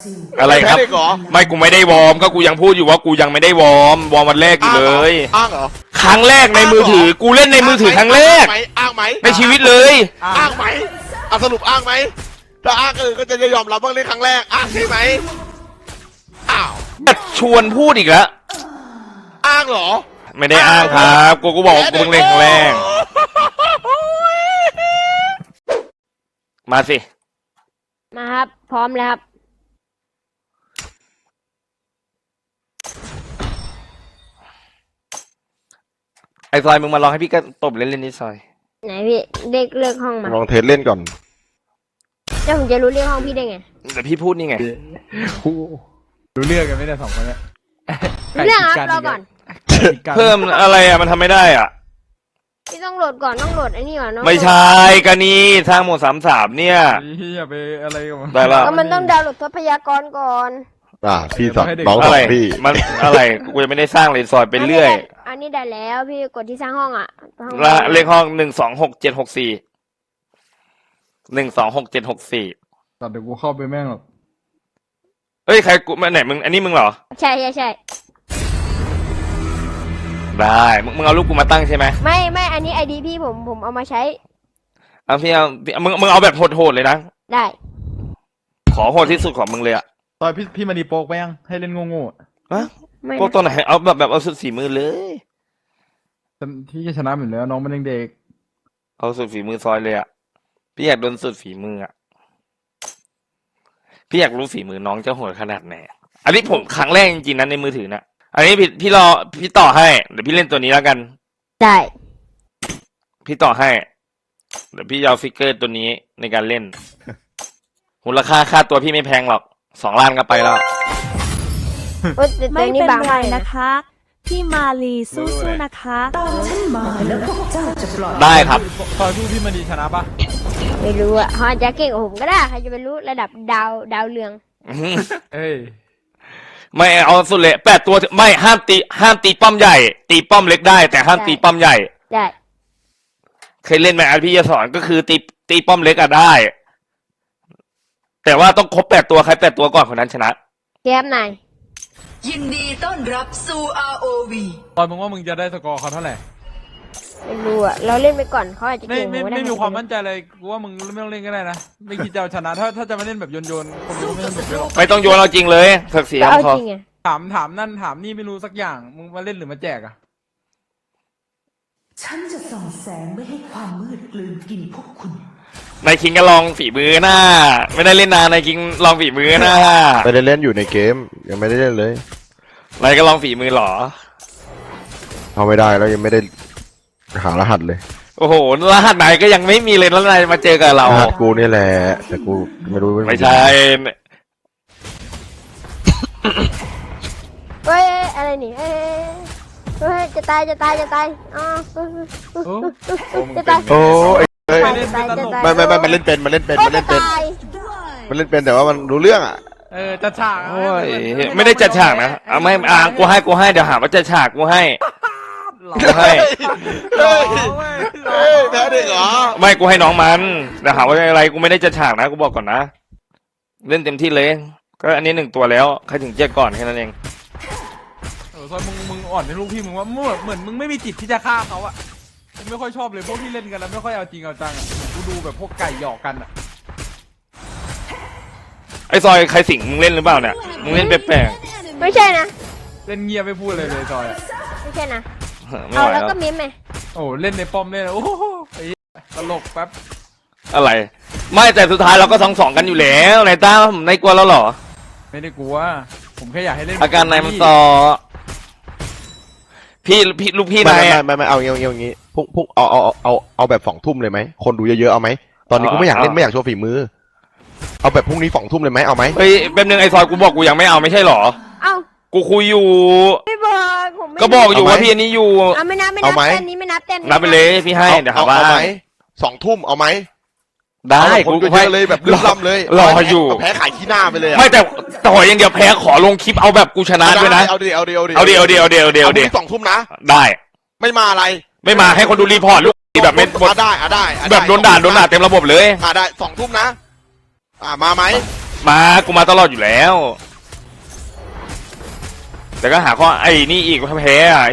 อะไรครับแพ้เด็กเหรอไม่กูไม่ได้วอร์มก็กูยังพูดอยู่ว่ากูยังไม่ได้วอร์มวันแรกอยู่เลยอ้างเหรอครั้งแรกในมือถือกูเล่นในมือถือครั้งแรกอ้างไหมในชีวิตเลยอ้างไหมเอาสรุปอ้างไหมถ้าอ้างก็จะยอมรับบ้างในครั้งแรกอ้างใช่ไหมอ้าวชวนพูดอีกแล้วอ้างเหรอไม่ได้อ้างครับกูบอกว่ากูเพิ่งเล่นครั้งแรกมาสิมาครับ พร้อมแล้วครับไอซอยมึงมาลองให้พี่ก็ตบเล่นๆนี่ซอยไหนพี่เด็กเลือกห้องมาลองเทสเล่นก่อนเจ้าผมจะรู้เรื่องห้องพี่ได้ไงแต่พี่พูดนี่ไงรู้เรื่องกันไหมเนี่ยสองคนเนี่ยเรื่องครับรอก่อนเพิ่มอะไรอ่ะมันทำไม่ได้อ่ะพี่ต้องโหลดก่อนต้องโหลดไอ้นี่ก่อนต้องไม่ใช่กันนี่สร้างโหมด33เนี่ยอย่าไปอะไรกับมันได้ละก็มันต้องดาวน์โหลดทรัพยากรก่อนพี่สอนน้องสอะอไรนพี่มันอะไรกูยังไม่ได้สร้างเลยซอยไปเรื่อยอันนี้ได้แล้วพี่กดที่สร้างห้องอ่ะห้องละเลขห้อง1266764 1266764 ตัดเดี๋ยวกูเข้าไปแม่งหรอกเฮ้ยใครกูมาไหนมึงอันนี้มึงเหรอใช่ใช่ใช่ได้มึงเอารูปกูมาตั้งใช่ไหมไม่อันนี้ไอดีพี่ผมเอามาใช้เอาพี่เอามึงเอาแบบโหดๆเลยนะได้ขอโหดที่สุดของมึงเลยอะตอนพี่มาดีโป๊กไปยังให้เล่นโง่ๆอะฮะไม่พวกตัวไหนเอาแบบเอาสุดฝีมือเลยที่จะชนะอยู่แล้วน้องมันยังเด็กเอาสุดฝีมือซอยเลยอะพี่อยากโดนสุดฝีมืออะพี่อยากรู้ฝีมือน้องจะโหดขนาดไหนอันนี้ผมครั้งแรกจริงๆนะในมือถือนะอันนี้พี่รอพี่ต่อให้เดี๋ยวพี่เล่นตัวนี้แล้วกันได้พี่ต่อให้เดี๋ยวพี่จะเอาฟิกเกอร์ตัวนี้ในการเล่นมูลค่าตัวพี่ไม่แพงหรอก2 ล้านก็ไปแล้วโอ๊ยแต่ตัวไม่นี้เป็นบางไรมากเลยนะคะ พี่มาลีสู้ๆนะคะได้ครับตอนพี่มาดีชนะปะไม่รู้อ่ะเขาอาจจะเก่งกว่าผมก็ได้ใครจะไปรู้ระดับดาวเรืองเอ้ยไม่เอาสุดเลย8 ตัวไม่ห้ามตีป้อมใหญ่ ตีป้อมเล็กได้ แต่ห้ามตีป้อมใหญ่ได้เคยเล่นไหมอันพี่จะสอนก็คือตีป้อมเล็กอะได้ แต่ว่าต้องครบ8 ตัวใคร8 ตัวก่อนคนนั้นชนะแก้มนายยินดีต้อนรับสู่ ROV ตอนมึงว่ามึงจะได้สกอร์เขาเท่าไหร่ไม่รู้อ่ะเราเล่นไปก่อนเขาอาจจะไม่เก่งไม่กว่าไม่มีความมั่นใจเลยกูว่ามึงไม่ต้องเล่นก็ได้นะไม่คิดจะเอาชนะถ้าจะมาเล่นแบบโยนคนดูไม่ต้องแบบเยอะหรอกไม่ต้องโยนเราจริงเลยเถกเสียก็เอาพอจริงไงถามนั่นถามนี่ไม่รู้สักอย่างมึงมาเล่นหรือมาแจกอะฉันจะส่องแสงไม่ให้ความมืดกลืนกินพวกคุณนายคิงก็ลองฝีมือหน้า ไม่ได้เล่นนานนายคิงลองฝีมือหน้าไม่ได้เล่นอยู่ในเกมยังไม่ได้เล่นเลยนายก็ลองฝีมือหรอเอาไม่ได้แล้วยังไม่ได้หารหัสเลยโอ้โหรหัสนายก็ยังไม่มีเลยแล้วนายมาเจอกับเรารหัสกูนี่แหละแต่กูไม่รู้ไม่ใช่เฮ้ยอะไรนี่เฮ้ยจะตายอ๋อโอ้จะตายโอ้ยเอ้ยจะตายจะตายไม่มันเล่นเป็นมันเล่นเป็นโอ้มันเล่นเป็นจะตายมันเล่นเป็นแต่ว่ามันรู้เรื่องอ่ะจัดฉากโอ้ยไม่ได้จัดฉากนะเอาไม่กูให้เดี๋ยวหาว่าจัดฉากกูให้ กูให้เฮ้ยแพ้เด็กเหรอไม่กูให้น้องมันเดี๋ยวหาว่าอะไรกูไม่ได้จัดฉากนะกูบอกก่อนนะเล่นเต็มที่เลย ก็อันนี้1 ตัวแล้วใครถึงเจ๊ก่อนแค่นั้นเองซอยมึงอ่อนในลูกพี่มึงว่าเหมือนมึงไม่มีจิตที่จะฆ่าเขาอะกูไม่ค่อยชอบเลยพวกที่เล่นกันแล้วไม่ค่อยเอาจริงเอาจังอะกูดูแบบพวกไก่หยอกกันอะไอ้ซอยใครสิงมึงเล่นหรือเปล่าเนี่ยมึงเล่นแปลกไม่ใช่นะเล่นเงียบไม่พูดเลยซอยอะไม่ใช่นะๆไม่เอาไหวแล้วแล้วก็มิมไงโอ้เล่นในป้อมเล่นโอ้โหตลกแป๊บอะไร ไม่แต่สุดท้ายเราก็2-2กันอยู่แล้วนายตั้มนายกลัวแล้วเหรอไม่ได้กลัวผมแค่อยากให้เล่นอาการนายมันซอพี่ลูกพี่ไม่นายอะไม่เอาอย่างงี้พุ่งเอาแบบ2 ทุ่มเลยไหมคนดูเยอะๆเอาไหมตอนนี้กูไม่อยากเล่นไม่อยากโชว์ฝีมือ เอาแบบพรุ่งนี้2 ทุ่มเลยไหมเอาไหมเฮ้ยแป๊บนึงไอ้ซอยกูบอกกูยังไม่เอาไม่ใช่เหรอเอ้ากูคุยอยู่ไม่บอกผมไม่ก็บอกอยู่ว่าพี่อันนี้อยู่เอาไม่นับเอาไหมเต้นนี้ไม่นับเต้นนี้นับไปเลยพี่ให้เดี๋ยวหาว่าเอาไหม2 ทุ่มเอาไหมได้เอาแบบคนกูเยอะๆเลยแบบลืมล่ำเลยรออยู่เาแพ้ขายขี้หน้าไปเลยอะไม่แต่ต่ออย่างเดียวแพ้ขอลงคลิปเอาแบบกูชนะด้วยนะเอาดิเอาดิเอาดิเอาดิเอาดิเอาดิดิ2 ทุ่มนะได้ไม่มาอะไรไม่มาให้คนดูรีพอร์ตลูกแบบไม่ได้แบบโดนด่าเต็มระบบเลยได้2 ทุ่มนะมาไหมกูมาตลอดอยู่แล้ว แต่ก็หาข้อไอ้นี่อีกว่าแพ้อะ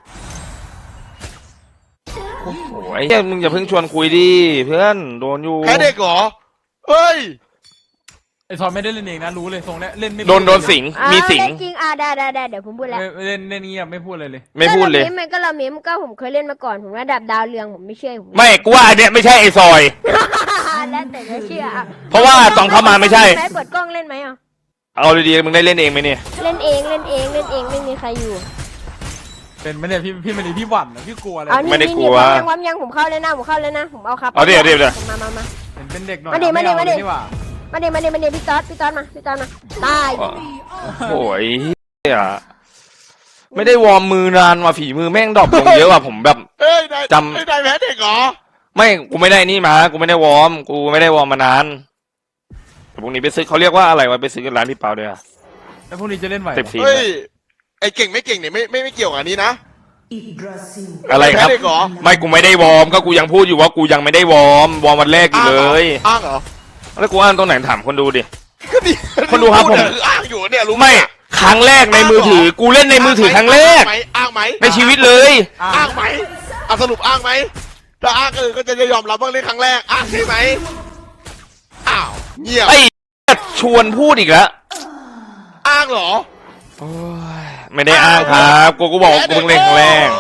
โอ้โหไอ้เหี้ยมึงอย่าเพิ่งชวนคุยดิเพื่อนโดนอยู่แพ้เด็กเหรอเฮ้ยไอซอนไม่ได้เล่นเองนะรู้เลยทรงเนี้ยเล่นไม่โดนสิงมีสิงจริงได้เดี๋ยวผมพูดแล้วเล่นเงียบไม่พูดเลยเลยไม่พูดเลยก็เราเมมก็ผมเคยเล่นมาก่อนผมระดับดาวเรืองผมไม่เชื่อผมไม่กูว่าอันเนี้ยไม่ใช่ไอ้ซอยแล้วแต่จะเชื่ออ่ะเพราะว่าตอนเข้ามาไม่ใช่เปิดกล้องเล่นไหมอ่ะเอาดีๆมึงได้เล่นเองไหมเนี่ยเล่นเองไม่มีใครอยู่เป็นไม่เนี่ยพี่ไม่ได้พี่หวั่นนะพี่กลัวอะไรเอานี่ไม่ได้กลัวความยังผมเข้าเลยนะผมเอาครับเอาเดี๋ยวมาเป็นเด็กหน่อยมาดิไเอาเลยนี่หว่ามาดิพี่ต๊อดมาตายโอ้ยเหี้ยไม่ได้วอร์มมือนานว่ะฝีมือแม่งดรอปลงเยอะว่ะผมแบบเฮ้ยนายจำเฮ้ยนายแพ้เด็กเหรอไม่กูไม่ได้นี่มากูไม่ได้วอร์มมานานแต่พวกนี้ไปซื้อเขาเรียกว่าอะไรวะไปซื้อกันร้านพี่เปาด้วยอะแล้วพรุ่งนี้จะเล่นไหวเต็มทีเฮ้ยไอ้เก่งไม่เก่งเนี่ยไม่เกี่ยวกับอันนี้นะอิบราซิลอะไรครับแพ้เด็กเหรอไม่กูไม่ได้วอร์มก็กูยังพูดอยู่ว่ากูยังไม่ได้วอร์มวันแรกอยู่เลยอ้างเหรอแล้วกูอ่านตรงไหนถามคนดูดิก็ดีคนดูครับผมคืออ้างอยู่เนี่ยรู้หไม่ครั้งแรกในมือถือ กูเล่นในมือถือครั้งแรกอ้างไหมในชีวิตเลยอ้างไหมอ่ะสรุปอ้างไหมถ้าอ้างก็จะยอมรับว่าเล่นครั้งแรกอ้างใช่ไหมอ้าวเงียบไอ้ชวนพูดอีกแล้วอ้างเหรอโอ้ยไม่ได้อ้างครับกูบอกว่ากูเพิ่งเล่นครั้งแรก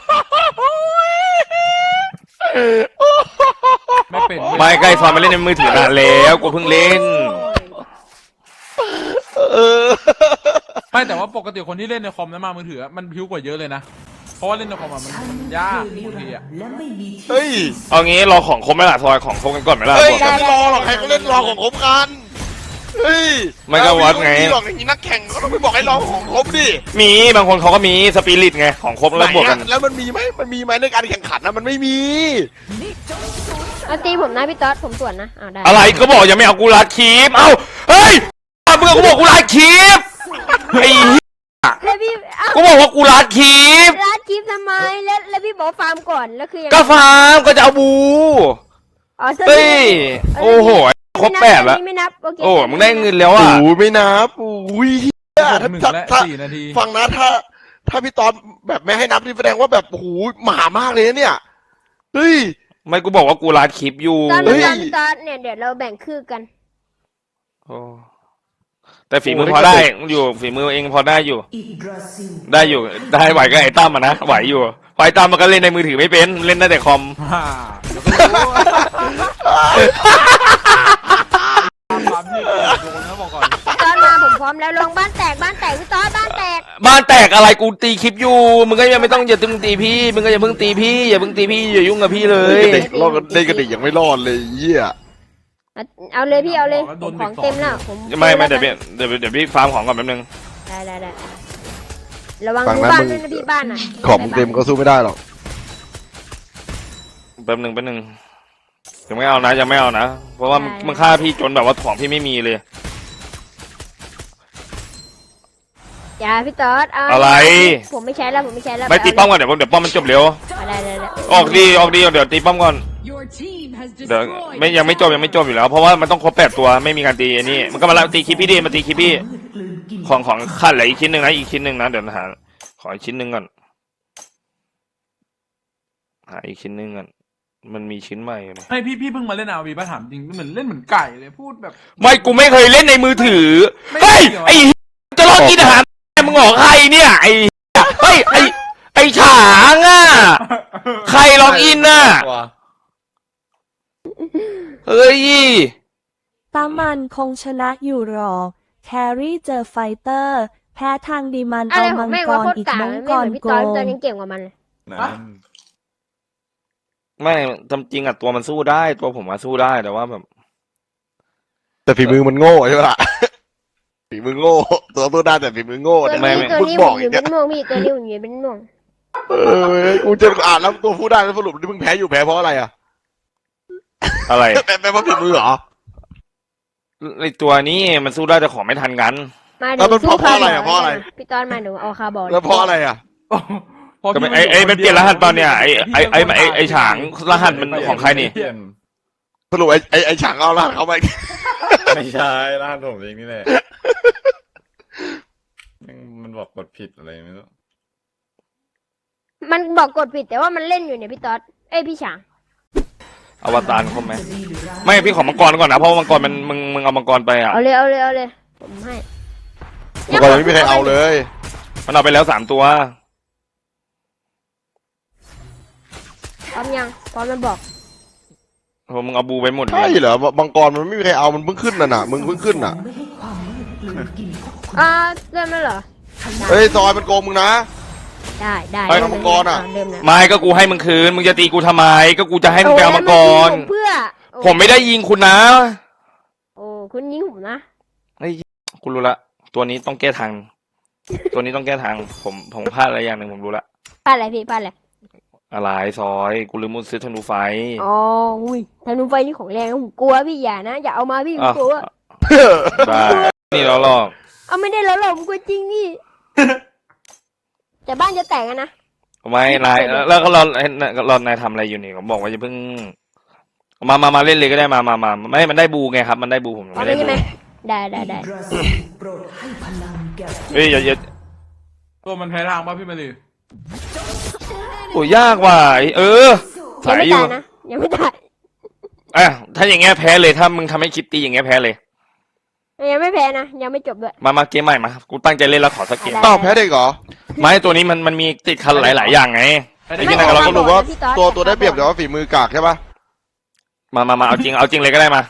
ไม่เป็นไม่ใกล้ซอนมาเล่นในมือถือนานแล้วกูเพิ่งเล่นเออไม่แต่ว่าปกติคนที่เล่นในคอมแล้วมามือถือมันพิ้วกว่าเยอะเลยนะเพราะว่าเล่นในคอมมันยากคือนิบางรัทีนดอ่ะร์และไม่มีที่เฮ้ยเอางี้รอของครบไหมล่ะซอยของครบกันก่อนไหมล่ะเฮ้ยบวกจะกันไม่รอหรอกใครเขาเล่นรอของครบกันเฮ้ยมันก็วัดไงม่หรอกอย่างนี้นักแข่งก็ต้องไปบอกให้รอของครบดิมีบางคนเขาก็มีสปิริตไงของครบแล้วบวกกันไหอะแล้วมันมีไหมในการแข่งขันนะมันไม่มีเอาตีผมนะพี่ต๊อดผมส่วนนะได้อะไรก็บอกยังไม่เอากูรัดคลิปเอ้าเฮ้ยเมื่อกูบอกกูรัดคลิปไอ้เหี้ยแล้วพี่เอากูบอกว่ากูรัดคลิปรัดคลิปทำไมแล้วพี่บอกฟาร์มก่อนแล้วคือยังไงก็ฟาร์มก็จะเอาบูอ๋อเฮ้ยโอ้โหครบแปดแล้วไม่นับโอเคโอ้มึงได้เงินแล้วโอ้อ่ะโหไม่นับอุ้ยเหี้ยหนึ่งและถ้า 4 นาทีฟังนะถ้าพี่ตอนแบบไม่ให้นับนี่แสดงว่าแบบโอ้โหหมามากเลยนะเนี่ยเฮ้ยไม่กูบอกว่ากูรัดคลิปอยู่ตอนเฮ้ยพี่ต๊อดเนี่ยเดี๋ยวเราแบ่งครึ่งกันโอ้แต่ฝีมือพอได้อยู่ฝีมือเองพอได้อยู่อิบราซิลได้อยู่ได้ไหวก็ไอ้ตั้มอะนะไหวอยู่พอไอ้ตั้มมันก็เล่นในมือถือไม่เป็นเล่นได้แต่คอมฮ่าเดี๋ยวก็รู้ความที่โดนนะบอกก่อนพี่ต๊อดมาผมพร้อมแล้วลงบ้านแตกพี่ต๊อดบ้านแตกบ้านแตกอะไรกูตีคลิปอยู่มึงก็ยังไม่ต้องอย่าตึงตีพี่มึงก็อย่าเพิ่งตีพี่อย่าเพิ่งตีพี่อย่ายุ่งกับพี่เลยเด็กรอดเล่นกับเด็กยังไม่รอดเลยเหี้ยเอาเลยพี่เอาเลยผมของเต็มแล้วผมไม่เดี๋ยวพี่ฟาร์มของก่อนแป๊บนึงได้ระวังดูบ้านด้วยนะพี่บ้านอ่ะของมึงเต็มก็สู้ไม่ได้หรอกแป๊บนึงยังไม่เอานะยังไม่เอานะเพราะว่ามึงฆ่าพี่จนแบบว่าของพี่ไม่มีเลยอย่าพี่ต๊อดเอาอะไรผมไม่ใช้แล้วไม่ตีป้อมก่อนเดี๋ยวป้อมมันจบเร็วได้ออกดีเดี๋ยวตีป้อมก่อนเดี๋ยวไม่ยังไม่จบอยู่แล้วเพราะว่ามันต้องครบ8ตัวไม่มีการตีอันนี้มันก็มาตีคลิปพี่ดิมาตีคลิปพี่มืดกลืนกินของขั้นเหลืออีกชิ้นหนึ่งนะอีกชิ้นหนึ่งนะเดี๋ยวหาขออีกชิ้นหนึ่งก่อนหาอีกชิ้นหนึ่งก่อนมันมีชิ้นใหม่ไหมให้พี่เพิ่งมาเล่นอาวีป่ะถามจริงเหมือนเล่นเหมือนไก่เลยพูดแบบไม่กูไม่เคยเล่นในมือถือไม่เฮ้ยเหรอไอ้จะรอกินอาหารมึงออกใครเนี่ยไอ้เฮ้ยไอ้ฉางอ่ะใครล็อกอินน่ะเฮ้ยตามันคงชนะอยู่หรอ แครี่เจอไฟเตอร์ แพ้ทางดีมันอะเอาไรขอมังงแม่งกว่าร โคตรอีกกากมังไม่กเหมือรนพี่โกต๊อดงตอนยังเก่งกว่ามันเลยไม่จำจริงอ่ะตัวมันสู้ได้ตัวผมมาสู้ได้แต่ว่าแบบแต่ฝีมือมันโง่ใช่ปะล่ะ ฝีมือโง่ตัวตัวได้แต่ฝีมือโง่ตัวเนี่ยนี้ตัวคุณนี้บผอกมออียู่กเป็เนี่ยนม่วงพี่ตัวนี้ผมอยู่เป็นม่วงกูจะอ่านแล้วตัวพูดได้แล้วสรุปที่มึงแพ้อยู่แพ้เพราะอะไรอ่ะอะไรแพ้เพราะฝีมือเหรอไอตัวนี้มันสู้ได้แต่ของไม่ทันกันมาแล้วมันเพราะอะไรอ่ะเพราะอะไรพี่ต๊อดมาหนูเอาคาร์บอนแล้วเพราะอะไรอ่ะก็ไม่ไอ้มันเปลี่ยนรหัสเปล่าเนี่ยไอ้ฉางรหัสมันของใครนี่สรุปไอ้ฉางเอาละเขาไปไม่ใช่ร้านผมเองนี่แหละมันบอกกดผิดอะไรไม่รู้มันบอกกดผิดแต่ว่ามันเล่นอยู่เนี่ยพี่ต๊อดเอ้ยพี่ฉางอวตารครบไหมจะดีหรือร้ายไม่พี่ขอมังกรก่อนนะเพราะว่ามังกรมันมึงเอามังกรไปอ่ะเอาเลยเอาเลยเอาเลยผมให้เมื่อก่อนยังไม่มีใครเอาเลยมันเอาไปแล้ว3 ตัวพร้อมยังพร้อมมันบอกโอ้มึงเอาบูไปหมดเลใช่ยเหรอมังกรมันไม่มีใครเอามันเพิ่งขึ้นน่ะมึงเพิ่งขึ้นน่ะไม่ให้ความมืดกลืนกินพวกคุณเริ่มแล้วเหรอเฮ้ยซอยมันโกงมึงนะได้ได้เฮ้ยเริ่มังกรอะเริ่มแล้วไม่ก็กูให้มึงคืนมึงจะตีกูทำไมก็กูจะให้มึงไปเอามังกรโอ้แล้วมันยิงผมเพื่อโอ้ผมไม่ได้ยิงคุณนะโอ้คุณยิงผมนะกูรู้ละตัวนี้ต้องแก้ทางตัวนี้ต้องแก้ทางผมพลาดอะไรอย่างหนึ่งผมรู้ละพลาดอะไรพี่พลาดอะไรอะไรซอยกูลืมมุดซื้อธนูไฟอ๋ออุ้ยธนูไฟนี่ของแรงนะผมกลัวพี่อย่านะอย่าเอามาพี่ผมอ่ะกลัวได้นี่เราลอกเอาไม่ได้แล้วหรอกผมกลัวจริงนี่ แต่บ้านจะแตกอะนะไม่นายแล้วก็เรานายทำอะไรอยู่นี่ผมบอกว่าอย่าเพิ่งมาเล่นเลยก็ได้มาไม่มันได้บูไงครับ มันได้บูผมยังเอาไม่ไปได้ใช่บูไหมได้ได้ได้ราศีโปรดให้พลังแก่ผู้เฮ้ยอย่าตัวมันแพ้ทางป่ะพี่มารีโอ้ยากว่ะเออยังสายไม่อยู่ตายนะยังไม่ตายอ่ะถ้าอย่างเงี้ยแพ้เลยถ้ามึงทำให้คลิปตีอย่างเงี้ยแพ้เลยยังไม่แพ้นะยังไม่จบด้วยมาเกมใหม่มากูตั้งใจเล่นแล้วขอสักเกมได้อ้าวแพ้เด็กเหรอไม่ตัวนี้มันมีติดคันหลาย ๆ อย่างไง ไอ้ที่นั่นเราเราก็ก็รู้ว่าพี่ต๊อดตัวได้เปรียบแต่ว่าฝีมือกากใช่ปะมาเอาจริงเลยก็ได้มา